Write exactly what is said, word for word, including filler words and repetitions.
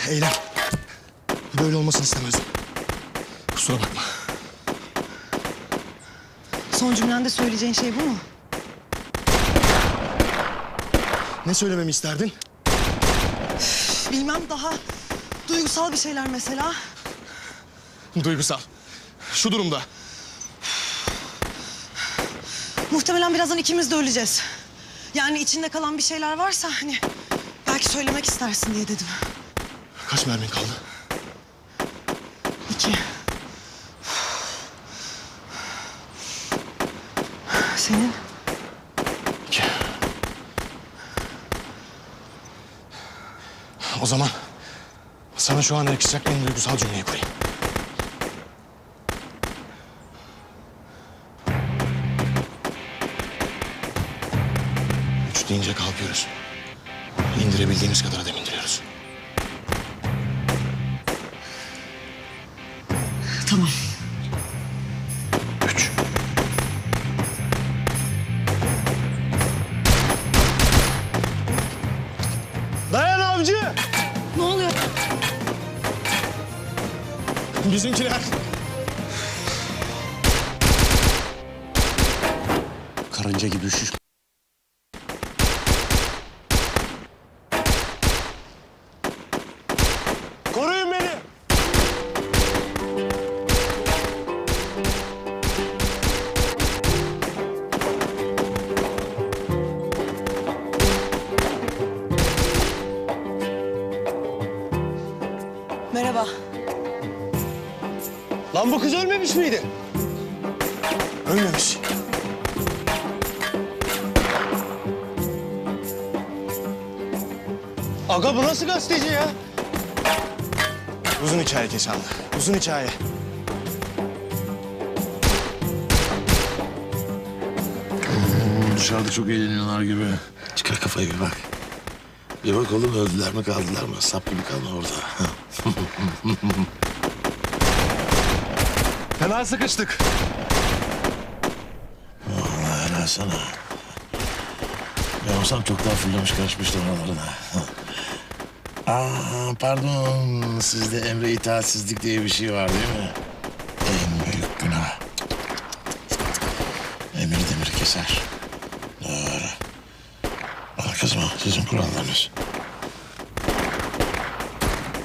Eylem. Böyle olmasını istemezdim. Kusura bakma. Son cümlende söyleyeceğin şey bu mu? Ne söylememi isterdin? Bilmem, daha duygusal bir şeyler mesela. Duygusal. Şu durumda. Muhtemelen birazdan ikimiz de öleceğiz. Yani içinde kalan bir şeyler varsa hani belki söylemek istersin diye dedim. Kaç mermin kaldı? İki. Senin? İki. O zaman sana şu an yakışacak en duygusal cümleyi kurayım. Üç deyince kalkıyoruz. İndirebildiğimiz kadar adam indiriyoruz. Tamam. Üç. Dayan avcı! Ne oluyor? Bizimkiler. Karınca gibi üşüş. Koruyun beni! Merhaba. Lan bu kız ölmemiş miydi? Ölmemiş. Aga bu nasıl gazeteci ya? Uzun hikaye Keşanlı. Uzun hikaye. Dışarıda çok eğleniyorlar gibi. Çıkar kafayı bir bak. Bir bak oğlum, öldüler mi kaldılar mı? Sap gibi kalma orada. Fena sıkıştık. Vallahi helal sana. Ben olsam çok daha fırlamış kaçmıştım oralarına. Aa, pardon. Sizde emre itaatsizlik diye bir şey var değil mi? En büyük günah. Emir demir keser. Doğru. Bana kızma, sizin kurallarınız.